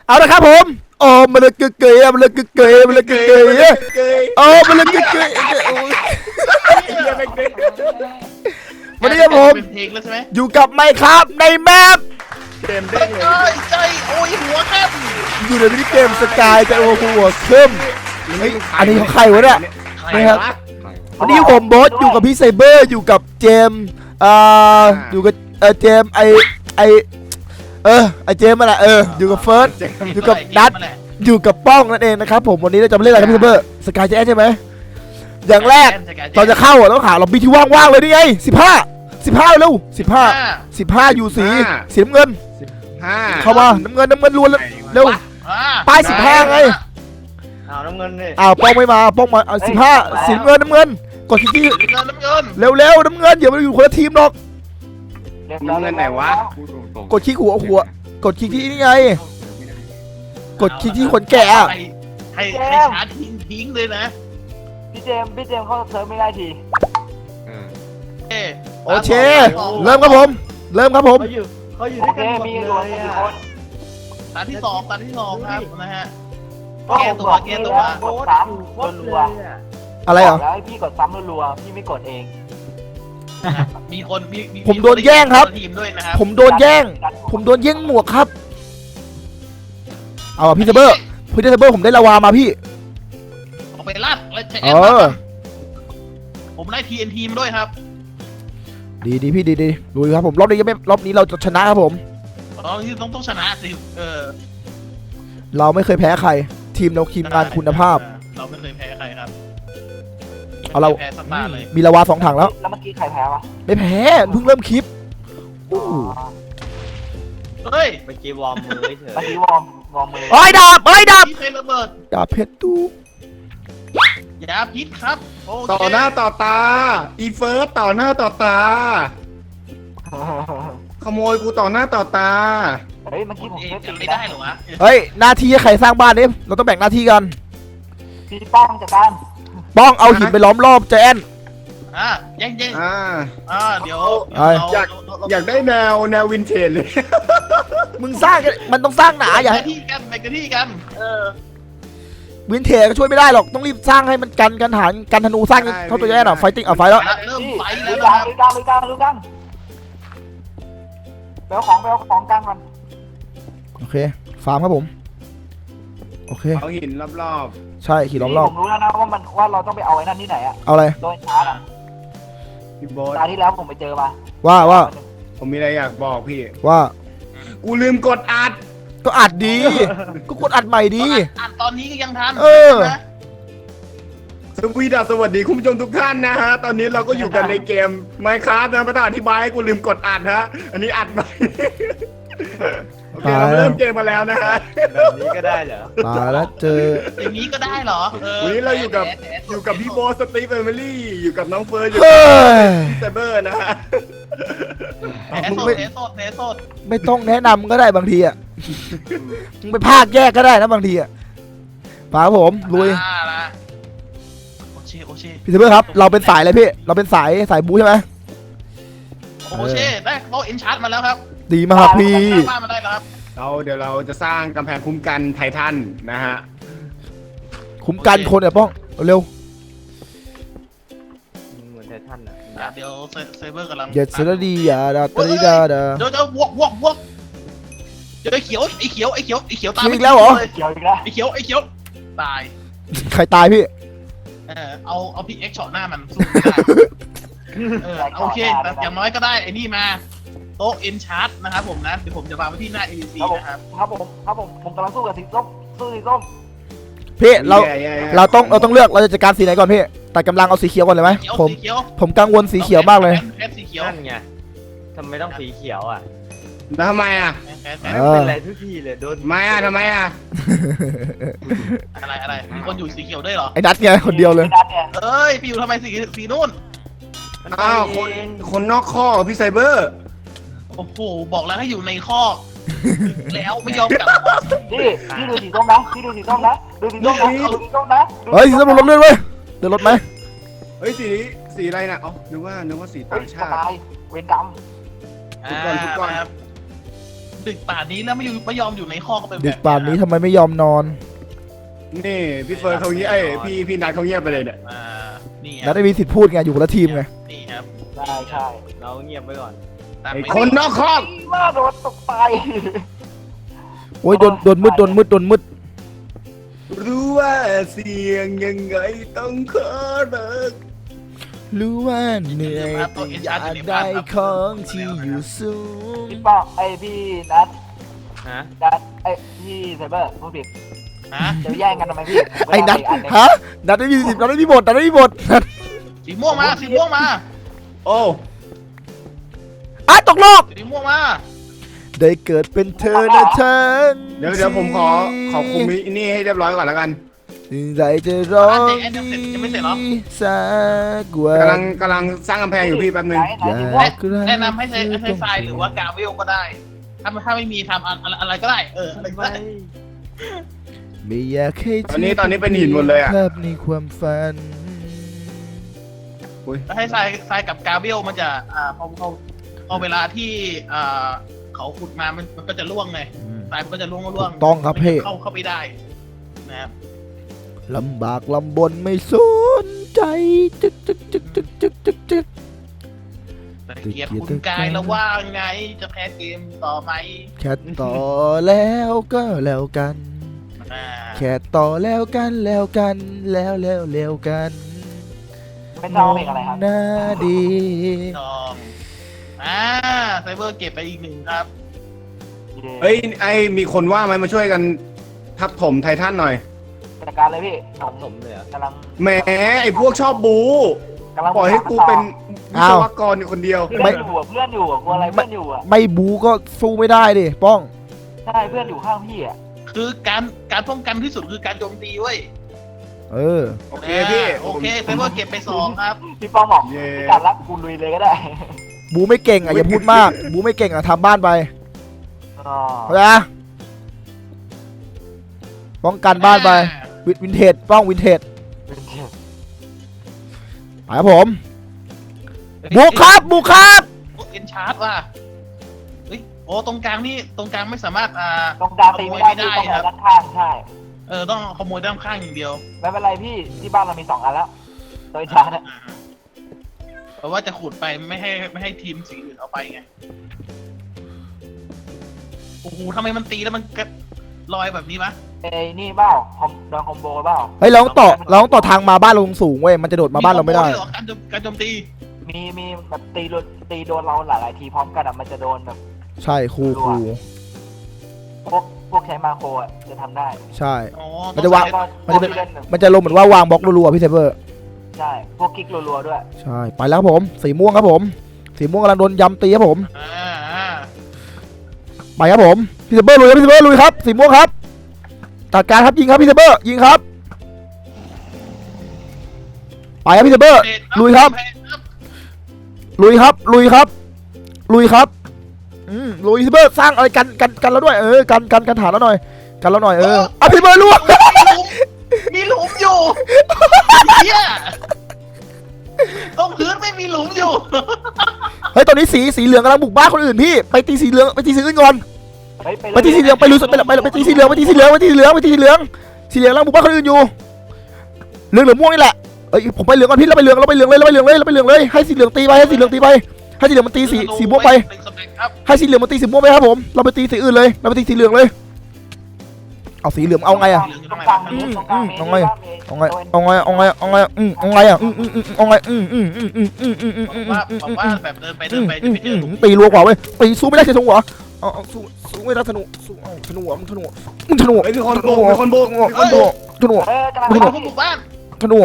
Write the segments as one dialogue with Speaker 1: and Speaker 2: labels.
Speaker 1: เอาละครับผมโอ้มันเลยเกยมันเลยเกยมันเลยเกยโอ้มันเลยเกยวันนี้ผมอยู่กับไมค์ครับในแมป
Speaker 2: เกมเด้งเลยใจโอ้ยหัวเข้ม
Speaker 1: อยู่ในมินิเกมสกายแต่โอ้หัวเข้มอันนี้ของใครวะเนี่ยนี่ครับวันนี้ผมบอสอยู่กับพี่ไซเบอร์อยู่กับเจมอยู่กับเจมไอเจมมาแหละอยู่กับเฟิร์สอยู่กับนัทอยู่กับป้องนั่นเองนะครับผมวันนี้เราจะมาเล่นอะไรครับพี่ไซเบอร์สกายแจ๊สใช่ไหมอย่างแรกตอนจะเข้าต้องหาล็อบบี้ที่ว่างๆเลยนี่ไง15เร็ว15อยู่สีน้ำเงินเข้ามาน้ำเงินล้วนเร็วป้าย15ไง
Speaker 2: น้ำเงินนี่
Speaker 1: ป้องไม่มาป้องมา15สีน้ำเงินกดที่เร็วน้ำเงินอย่ามาอยู่คนละทีมหรอก
Speaker 2: น้ำเงินไหนวะ
Speaker 1: กดคลิกหัวกดคลิกที่นี่ไงกดคลิกที่คนแก่
Speaker 2: ให้ชาร์จทิ้งเลยนะ
Speaker 3: พี่เจมเข้าเซิร์ฟไม่ได้ที
Speaker 1: โอเคเริ่มครับผม
Speaker 3: เขาอยู่ด้วยกันหมดเลย
Speaker 2: ตาที่สองครับนะฮะแก้ตัว
Speaker 3: กดซ้ำรัว
Speaker 1: อะไรเหรอ
Speaker 3: แล้วพี่กดซ้ำรัวพี่ไม่กดเอง
Speaker 2: มีคน
Speaker 1: ผมโดนแย่งครับ
Speaker 2: ทีมด้วยนะครับ
Speaker 1: ผมโดนแย่งหมวกครับเอาพี่เซเบอร์ผมได้ลาวามาพี่
Speaker 2: ออกไปลัดแล้วใช้แอปผมได้ TNT มาด้วยครับ
Speaker 1: ดีพี่ดีดูครับผมรอบนี้เราจะชนะครับผม
Speaker 2: ต้องชนะสิ
Speaker 1: เราไม่เคยแพ้ใครทีมเราทีมงานคุณภาพ
Speaker 2: เราไม่เคยแพ้ใครครับ
Speaker 1: เอาเรา
Speaker 2: แพ้สตาร์เลย
Speaker 1: มีลาวา2 ถังแล้ว
Speaker 3: เมื่อกี้ใครแพ้วะ
Speaker 1: ไม่แพ้เพิ่งเริ่มคลิป
Speaker 2: เฮ้ย
Speaker 3: เมื่อกี้วอร์มมือเฉยเมื่อกี้วอร์มมือ
Speaker 1: ดาบดาบเพชรตู
Speaker 2: ยาพิษครับ
Speaker 4: ต่อหน้าต่อตาอีเฟิร์สต่อหน้าต่อตาขโมยกูต่อหน้าต่อตา
Speaker 3: เฮ้ยเมื่อกี้ผม
Speaker 2: ไม่ได้หรอวะ
Speaker 1: เฮ้ยหน้าที่ใครสร้างบ้านเนี่ยเราต้องแบ่งหน้าที่กัน
Speaker 3: พี่ป้องจัดการ
Speaker 1: ป้องเอาหินไปล้อมรอบแจน
Speaker 2: แย่งเดี๋ยว
Speaker 4: อยากได้แนววินเทจเลย
Speaker 1: มึงสร้างมันต้องสร้างหนาอย่าให้
Speaker 2: ที่กันไปกันที่กัน
Speaker 1: วินเทจก็ช่วยไม่ได้หรอกต้องรีบสร้างให้มันกันหารกันธนูสร้างเท่าตัวแย่หน่อยไฟติ้งไฟแล้ว
Speaker 2: เริ่มไฟแล้ว
Speaker 3: ดูกันไปเอาของกลางก่อน
Speaker 1: โอเคฟาร์มครับผมโอเค
Speaker 4: เอาหินรอบ
Speaker 1: ใช่หินรอบ
Speaker 3: ผมรู้แล้วนะว่าเราต้องไปเอาไอ้นั่นที่ไหนอะ
Speaker 1: เอาอะไร
Speaker 3: โดนชาร์จอะ
Speaker 4: พี่โบ๊ท
Speaker 3: ตาที่แล้วผมไปเจอมา
Speaker 1: ว่า
Speaker 4: ผมมีอะไรอยากบอกพี่
Speaker 1: ว่า
Speaker 4: กูลืมกดอัด
Speaker 1: ก็อัดดีก็กดอัดใหม่ดี
Speaker 2: อัดตอนนี้ก็ยังทัน
Speaker 4: สวัสดีคุณผู้ชมทุกท่านนะฮะตอนนี้เราก็อยู่กันในเกม Minecraft นะประธานอธิบายให้กูลืมกดอัดฮะอันนี้อัดใหม่โอเคเราเริ่มเกมมาแล้วนะฮะ
Speaker 3: แบบนี้ก็ได้เหรอ
Speaker 1: ตายแล้วเจอ
Speaker 2: อย่างนี้ก็ได้เหรอ
Speaker 4: วันนี้เราอยู่กับพี่โบสตีฟเอมิลี่อยู่กับน้องเฟิร์สอยู่กับเซเบอร์นะฮะ
Speaker 1: ไม่ต้องแนะนำก็ได้บางทีอ่ะมึงไปภาคแยกก็ได้นะบางทีอ่ะป๋าผมลุย
Speaker 2: โอเค
Speaker 1: พี่เซเบอร์ครับเราเป็นสายอะไรพี่เราเป็นสายบูใช่ไหม
Speaker 2: โอเคได้เขาเอ็นชาร์จมาแล้วครับ
Speaker 1: ดีมากพี่
Speaker 4: เดี๋ยวเราจะสร้างกำแพงคุ้มกันไททันนะฮะ
Speaker 1: คุ้มกันคนเนี่ยป้องเร็ว
Speaker 3: เหมือนไททันอ่ะ
Speaker 2: เดี๋ยวเซเบอร์กำลัง
Speaker 1: เดี๋ยวเซเลดีอ่ะเ
Speaker 2: ดี๋ยววกเดี๋ยวไอ้เขียวตาย
Speaker 1: อีกแล้วเหรอ
Speaker 2: ไอ้เขียวตาย
Speaker 1: ใครตายพี่
Speaker 2: เอาพิกเอ็กช็อตหน้ามันสู้โอเคแต่อย่างน้อยก็ได้ไอ้นี่มาโต๊ะเอ็นชาร์ตนะครับผมนะเดี๋ยวผมจะวางไว้ที่หน้า ABC นะครับ
Speaker 3: ผมกำลังสู้กับสีส้ม
Speaker 1: พี่เราต้องเลือกเราจะจัดการสีไหนก่อนพี่ตัดกำลังเอาสีเขียวก่อนเลยไหมผมกังวลสีเขียวมากเลย
Speaker 2: สีเขียว
Speaker 3: นั่นไงทำไมต้องสีเขียวอ่ะ
Speaker 4: แล้วทำไมอ่ะ
Speaker 3: เป็นอะไรทุกทีเลยโดน
Speaker 4: ไม่อ่ะทำไมอ่ะ
Speaker 2: อะไรมีคนอยู่สีเขียวด้วยเหรอ
Speaker 1: ไอ้นัทไงคนเดียวเลย
Speaker 2: เอ้ยพี่อยู่ทำไมสีนู่น
Speaker 4: อ้าวคนนอกข้อพี่ไซเบอร์
Speaker 2: โอ้โหบอกแล้วให้อยู่ในข้อแล้วไม่ยอมกลับ
Speaker 3: พี่ดูสีส้มนะดูสีส้มนะ
Speaker 1: เฮ้ยสีส้มรถเลื่อนเว้ยเดินรถไหม
Speaker 4: เฮ้ยสีอะไรน่ะอ๋อนึกว่าสีต่างชาติ
Speaker 3: เวรกรรม
Speaker 4: ทุกคน
Speaker 2: ดึกป่านนี้แล้วไม่ยอมอยู่ในห้องก็เป็นแบบ
Speaker 1: ดึกป่านนี้ทำไมไม่ยอมนอน
Speaker 4: นี่พี่เฟิร์นเขาเงียบพี่นัทเขาเงียบไปเลยเนี่ย
Speaker 2: นี่ค
Speaker 1: นั
Speaker 2: รั
Speaker 1: ดได้มีสิทธิ์พูดไงอยู่คนละทีมไง
Speaker 2: นี่ครับ
Speaker 3: ใช่ใช่เราเงียบไว้ก่อน
Speaker 2: ตาม
Speaker 4: ไอ้
Speaker 2: ไป
Speaker 4: คนนอกคอก
Speaker 3: ว่าโดนตกไป
Speaker 1: โอ้ยโดนมืด
Speaker 4: รู้ว่าเสียงยังไงต้องขอเลิก
Speaker 1: รู้ว่าเหนื่อยแต่อยากได้ของที่อยู่สูง
Speaker 3: พี่ป้องไอพี่นัท
Speaker 5: ฮะ
Speaker 3: ไอพี่ไซเบอร์พูดผิด
Speaker 2: ฮะ
Speaker 3: จะแย่งกันทำไมพี่
Speaker 1: ไอ้นัดฮะนัดได้มีสิทธิ์นัดได้มีบทนัดได้มีบท
Speaker 2: สีม่วงมาสีม่วงมา
Speaker 4: โอ้
Speaker 1: อ่ะตกรอบ
Speaker 2: สีม่วงมา
Speaker 1: ได้เกิดเป็นเธอนะฉัน
Speaker 4: เดี๋ยวผมขอคุมนี่ให้เรียบร้อยก่อนแล้วกัน
Speaker 1: ใจจะร้องดีสักวัน
Speaker 4: กำลังสร้างกำแพงอยู่พี่แป๊บนึง
Speaker 1: อยากรัก
Speaker 2: แนะนำให้ใช้ทรายหรือว่ากาเวลก็ได้ ถ้าไม่มีทำอะไรก็ได้อะไรก็ได้
Speaker 1: ไม่อยากให้
Speaker 4: ตอนนี้เป็นหินหมดเลยอะ
Speaker 1: ภาพในความฝัน
Speaker 2: ถ้าให้ทรายกับกาเวลมันจะพอเวลาที่เขาขุดมามันก็จะล่วงไงทรายมันก็จะล่วง
Speaker 1: ถูกต้องครับพี่
Speaker 2: เข้าไปได้นะครับ
Speaker 1: ลำบากลำบนไม่สนใจจึก
Speaker 2: แต่เกียรติคุณกายแล้วว่าไงจะแพ้เกมต่อไหม
Speaker 1: แค่ต่อแล้วก็แล้วกัน แค่ต่อแล้วกันแล้วกันแล้วกัน
Speaker 3: เป็นน้องเพลงอะไรครับ
Speaker 1: หน้าดี
Speaker 2: จองไซเบอร์เก็บไปอีกหนึ่งครับ
Speaker 4: เฮ้ยมีคนว่าไหมมาช่วยกันทับถมไททันหน่อย
Speaker 3: จัดการเลยพี่ผม
Speaker 5: ผมเลยเหรอก
Speaker 3: ำลัง
Speaker 4: แหมไอ้พวกชอบบู
Speaker 3: กำลัง
Speaker 4: ปล่อยให้กูเป็นวิศวกรอยู่คนเดียว
Speaker 3: เพื่อนอยู่เพื่อนอยู่กลัวอะไรเพื่อนอยู่อ่ะ
Speaker 1: ไม่บูก็สู้ไม่ได้ดิป้อง
Speaker 3: ใช่เพื่อนอยู่ข้างพี่อ่ะ
Speaker 2: คือการป้องกันที่สุดคือการโจมตีเว้ย
Speaker 1: เออ
Speaker 4: โอเคพี่
Speaker 2: โอเคไซเบอร์เก็บไป2ครับ
Speaker 3: พี่ป้องบอก
Speaker 4: เย้
Speaker 3: พี่การรักกูลุยเลยก็ได้
Speaker 1: บูไม่เก่งอ่ะอย่าพูดมาก บูไม่เก่งอ่ะทำบ้านไป
Speaker 3: อ๋อ
Speaker 1: เข้าใจนะป้องกันบ้านไปวินเทจป้องวินเทจไปครับผมบุกครับบุกครับ
Speaker 2: เอ็นชาร์ดว่ะเฮ้ยโอ้ตรงกลางไม่สามารถ
Speaker 3: ตรงกลางตีไม่ได้พี่ต้องด้านข้างใช่
Speaker 2: ต้องขโมยด้านข้างอย่างเดียว
Speaker 3: ไม่เป็นไรพี่ที่บ้านเรามี2 อันแล้วโดยชาร์จ
Speaker 2: เพราะว่าจะขุดไปไม่ให้ทีมสีอื่นเอาไปไงโอ้โหทำไมมันตีแล้วมันลอยแบบนี้วะ
Speaker 3: เอ้นี่เปล่าโดนคอมโบเปล่า
Speaker 1: เฮ้ยเราต้องต่อทางมาบ้านเราสูงเว้ยมันจะโดดมาบ้านเราไม่ได้
Speaker 2: หรอการโจมตี
Speaker 3: มีแบบตีโดนเราหลายๆทีพร้อมกันอ่ะมันจะโดนแบบ
Speaker 1: ใช่ครู
Speaker 3: พวกใช้มาโครอ่ะจะทำได้
Speaker 1: ใช่
Speaker 2: อ๋อ
Speaker 1: มันจะวาง
Speaker 3: มันจะเป็น
Speaker 1: มันจะลงเหมือนว่าวางบล็อกรัวๆพี่เซเบอร์
Speaker 3: ใช่พวกกิ๊กรัวๆด้วย
Speaker 1: ใช่ไปแล้วครับผมสีม่วงครับผมสีม่วงกำลังโดนยำตีครับผม ไปครับผมพี่เซเบอร์ลุยครับพี่เซเบอร์ลุยครับสีม่วงครับตัดการครับยิงครับพี่เซเบอร์ยิงครับไปครับพี่เซเบอร์ลุยครับลุยครับลุยครับลุยครับลุยพี่เซเบอร์สร้างอะไรกันแล้วด้วยกันฐานแล้วหน่อยกันแล้วหน่อยอ่ะพี่เซเบอร์ล่วง
Speaker 2: มีหลุมอยู่เฮียตรงพื้นไม่มีหลุมอยู่
Speaker 1: เฮ้ยตอนนี้สีเหลืองกำลังบุกบ้านคนอื่นพี่ไปตีสีเหลืองไปตีสีอื่นก่อนไปตีสีเหลืองไปลุยไปตีสีเหลืองสีเหลืองกำลังบุกบ้านคนอื่นอยู่เหลืองม่วงนี่แหละเอ้ยผมไปเหลืองก่อนพี่เราไปเหลืองเลยให้สีเหลืองตีไปให้สีเหลืองมันตีสีม่วงไปให้สีเหลืองมันตีสีม่วงไปครับผมเราไปตีสีอื่นเลยเราไปตีสีเหลืองเลยเอาสีเหลืองเอาไงอะเอาไง
Speaker 2: ว่าแบบเดินไปจะไปเจอหลุม
Speaker 1: ตีรัวกว่าเว้ยตีสู้ไม่ได้ใช่ทงหัวเอาสู้ไม่ได้ธนูสู้เอาธนูหัวธนู
Speaker 4: เฮ้ยมีคนบุก
Speaker 1: ธนู
Speaker 3: กำลัง
Speaker 2: บุกบ้าน
Speaker 1: ธนู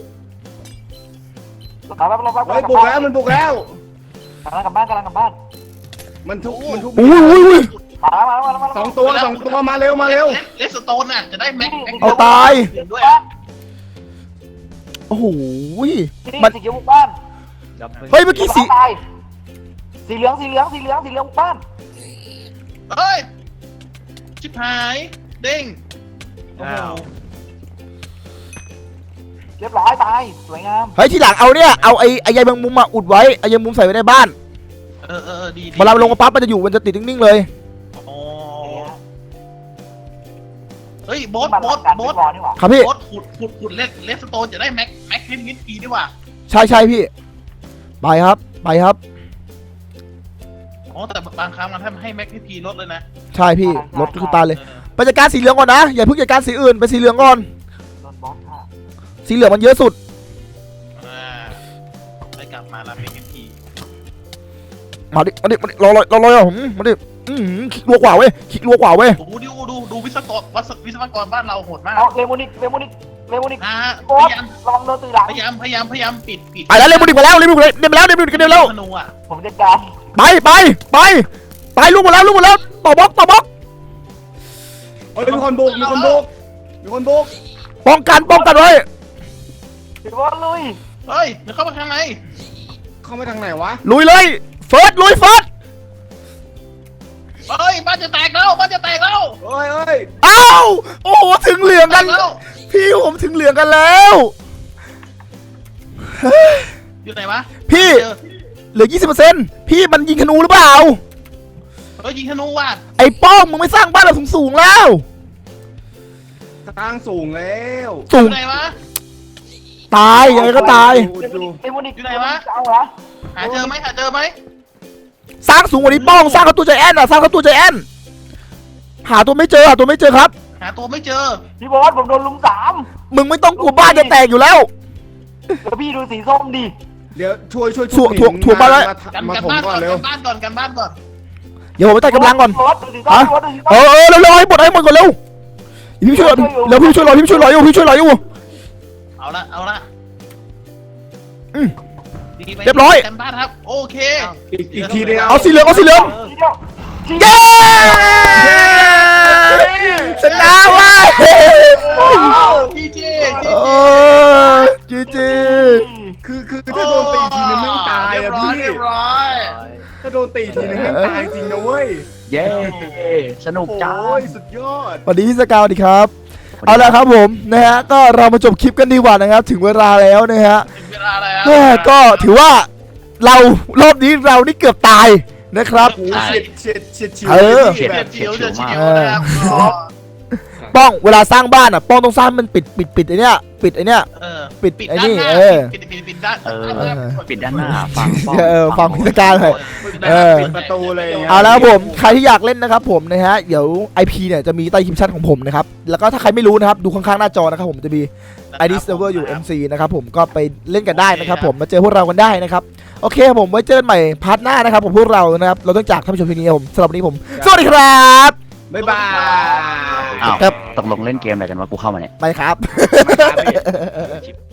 Speaker 4: เฮ้ยบุกแล้วมันบุกแล้ว
Speaker 3: กลับบ้าน
Speaker 4: มันทุก
Speaker 1: อุ้ย
Speaker 3: มา
Speaker 4: สองตัวมาเร็ว
Speaker 2: เลสโตนน่ะจะได้แม็ก
Speaker 1: เอาตาย
Speaker 2: ด้วย
Speaker 1: โอ้โห
Speaker 3: มันสีเขียวบุกบ้าน
Speaker 1: เฮ้ยเมื่อกี้
Speaker 3: สีเหลืองบุกบ้าน
Speaker 2: เฮ้ยชิบหายเด้ง
Speaker 3: เรียบร้อยตายสวยงาม
Speaker 1: เฮ้ยทีหลังเอาเนี่ยเอาไอ้ใยแมงมุมมาอุดไว้ไอ้ใยแมงมุมใส่ไว้ในบ้าน
Speaker 2: ดี
Speaker 1: เวลาลงมาปั๊บมันจะอยู่มันจะติดนิ่งๆเลย
Speaker 2: อ๋อเฮ้ยโบ๊ท
Speaker 3: มัน
Speaker 2: โบ๊ท
Speaker 3: การ
Speaker 2: โบ๊ท
Speaker 3: บอลนี่หว่า
Speaker 1: ครับพี่
Speaker 2: โบ๊ทขุดเลสโตนจะได้แม็กนิดดีว่ะ
Speaker 1: ใช่พี่ไปครับ
Speaker 2: อ๋อแต่บางครั้งมันทำให้แม็กนิดดีลดเลยนะ
Speaker 1: ใช่พี่รถคือตายเลย
Speaker 2: เออ
Speaker 1: ไปจัดการสีเหลืองก่อนนะอย่าเพิ่งจัดการสีอื่นไปสีเหลืองก่อน
Speaker 3: โดนบอสค่ะ
Speaker 1: สีเหลืองมันเยอะสุด
Speaker 2: ไปกลับมาแล้วแม็กนิดดี
Speaker 1: มาดิรอผมมาดิคลิกรัวกว่าเว้ยคลิกรัวกว่าเว้ย
Speaker 2: ดูวิศวกรบ้านเราโหดมาก
Speaker 3: เอาเลโมนิก
Speaker 2: นะฮะ
Speaker 3: บอสลองโดนตีหลัง
Speaker 2: พยายามปิด
Speaker 1: ไปแล้วเร็วมาแล้วเร็วมาแล้ว
Speaker 2: ธนูอ่ะ
Speaker 3: ผมจัดการ
Speaker 1: ไปลูกหมดแล้วต่อบล็อก
Speaker 4: เฮ้ยมีคนบุก
Speaker 1: ป้องกันไว้
Speaker 3: พี่บอสลุย
Speaker 2: เฮ้ยเดี๋ยวเข้ามาข้างใน
Speaker 4: เข้าไปทางไหนวะ
Speaker 1: ลุยเลยเฟิร์ส
Speaker 2: เฮ้ยบ้านจะแตกแล้ว
Speaker 4: เฮ้ย
Speaker 1: อ้าวโอ้โหถึงเหลือง
Speaker 2: แต
Speaker 1: กัน
Speaker 2: กแล้ว
Speaker 1: พี่ผมถึงเหลืองกันแล้ว
Speaker 2: อยู่ไหนวะ
Speaker 1: พี่
Speaker 2: เจอ
Speaker 1: เหลือ 20%พี่มันยิงธนูหรือเปล่า
Speaker 2: เฮ้ยยิงธนูว่ะ
Speaker 1: ไอ้ป้องมึงไม่สร้างบ้านเราสูงแล้ว
Speaker 4: สร้างสูงแล้ว
Speaker 1: สู
Speaker 2: อง ยู่ไหนวะ
Speaker 1: ตายยังไงก็ตาย
Speaker 3: เลโมนิก
Speaker 2: อยู่ไหนวะ
Speaker 3: เอาเหรอ
Speaker 2: หาเจอไหม
Speaker 1: สร้างสูงกว่านี้ป้องสร้างเข้าตัวใจแอนหาตัวไม่เจอครับ
Speaker 2: หาตัวไม่เจอ
Speaker 3: พี่บอสผมโดนลุม3
Speaker 1: มึงไม่ต้องกลัวบ้านจะแตกอยู่แล้ว
Speaker 3: แล้วพี่ดูสีส้มดิ
Speaker 4: เดี๋ยวช่วย
Speaker 1: ถ่วงบ้านไว้
Speaker 2: กัน
Speaker 4: มา
Speaker 2: กัน
Speaker 4: ถม
Speaker 2: บ้าน
Speaker 4: ก่
Speaker 2: ก่
Speaker 4: อ
Speaker 2: อน น
Speaker 4: เร็ว
Speaker 2: กันบ้านก่อน
Speaker 1: เดี๋ยวผมไปตัดกำลังก่อน
Speaker 3: บอสดูสีส้ม
Speaker 1: ฮะ
Speaker 3: บอสดูสีส้ม
Speaker 1: เร็วให้หมดก่อนเร็วพี่ช่วยรออยู่
Speaker 2: เอาละดีไหม
Speaker 1: เรียบร้อย
Speaker 2: กันบ้านครับ โอเค
Speaker 4: อีกทีเดียว
Speaker 1: เอาสีเหลือง
Speaker 3: ทีเดียว
Speaker 1: เย้ชนะว่ะ
Speaker 2: จีจี
Speaker 1: โอ้จี
Speaker 4: คือถ้าโดนตีทีนึงไม่ตายอะพี่
Speaker 2: เรียบร้อย
Speaker 4: ถ้าโดนตีทีนึงไม่ตายจริงนะเว้ย
Speaker 5: เย้สนุกจัง
Speaker 4: โอ้ยสุดยอด
Speaker 1: สวัสดีพี่สกาวสวัสดีครับเอาละครับผมนะฮะก็เรามาจบคลิปกันดีกว่านะครับถึงเวลาแล้วนะฮะ
Speaker 2: ถึงเวลาแล้ว
Speaker 1: แม่ก็ถือว่าเรารอบนี้เรานี่เกือบตายนะครับ
Speaker 4: โอ้โหเฉียด
Speaker 1: เออ
Speaker 2: เฉียดเฉียวนะครับก็
Speaker 1: ป้องเวลาสร้างบ้านอ่ะป้องต้องสร้างมันปิดไอ้เนี้ยปิดไอ้เนี้ย
Speaker 2: เออ
Speaker 1: ปิด
Speaker 2: ปิด
Speaker 1: ไอ้
Speaker 2: ด้าน
Speaker 1: นี่
Speaker 2: หน้า ปิดด้าน
Speaker 5: ปิดด้านหน้าฟัง
Speaker 1: ฟังพิธีการเลย
Speaker 4: ปิดประตูเลย
Speaker 1: เอาแล้วครับผมใครที่อยากเล่นนะครับผมนะฮะเดี๋ยว IP เนี่ยจะมีใต้คลิปชั่นของผมนะครับแล้วก็ถ้าใครไม่รู้นะครับดูข้างๆหน้าจอนะครับผมจะมี ID server อยู่ MC นะครับผมก็ไปเล่นกันได้นะครับผมมาเจอพวกเรากันได้นะครับโอเคครับผมไว้เจอกันใหม่พาร์ทหน้านะครับผมพวกเรานะครับเราต้องจากท่านผู้ชมเพียงนี้ครับผมสำหรับวันนี้ผมสวัสดีครับ
Speaker 4: บ๊ายบาย
Speaker 5: อ้าว
Speaker 1: ครับ
Speaker 5: ตกลงเล่นเกมอะไรกันวะกูเข้ามาเนี่ย
Speaker 1: ไปครับ
Speaker 4: มาครับพี่